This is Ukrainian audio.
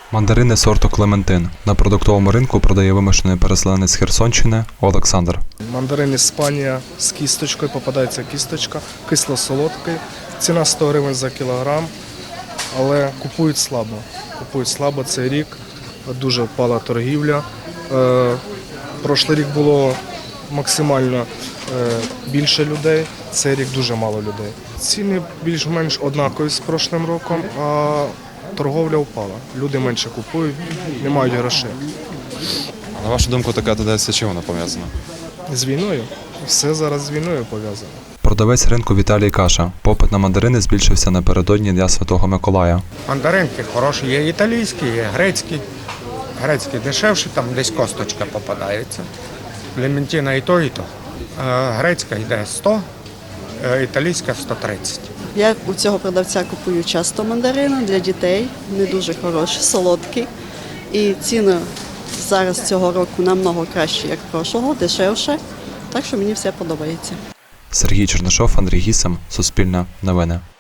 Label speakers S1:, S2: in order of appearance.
S1: Мандарини сорту Клементин. На продуктовому ринку продає вимушений переселенець з Херсонщини Олександр.
S2: Мандарин Іспанія з кісточкою, попадається кісточка, кисло-солодкий. Ціна 100 гривень за кілограм, але купують слабо. Купують слабо цей рік, дуже впала торгівля. Прошлий рік було максимально більше людей, цей рік дуже мало людей. Ціни більш-менш однакові з прошлим роком, а торговля впала. Люди менше купують, не мають грошей.
S3: На вашу думку, така тенденція чим вона пов'язана?
S2: З війною. Все зараз з війною пов'язано.
S1: Продавець ринку Віталій каже, попит на мандарини збільшився напередодні Дня Святого Миколая.
S4: Мандаринки хороші, є італійські, є грецькі. Грецькі дешевші, там десь косточка попадається. Клементина і то, і то. Грецька йде 100, італійська 130.
S5: Я у цього продавця купую часто мандарини для дітей, не дуже хороші, солодкі. І ціни зараз цього року намного кращі, як прошлого, дешевше. Так що мені все подобається.
S1: Сергій Чернишов, Андрій Гісем, Суспільне новини.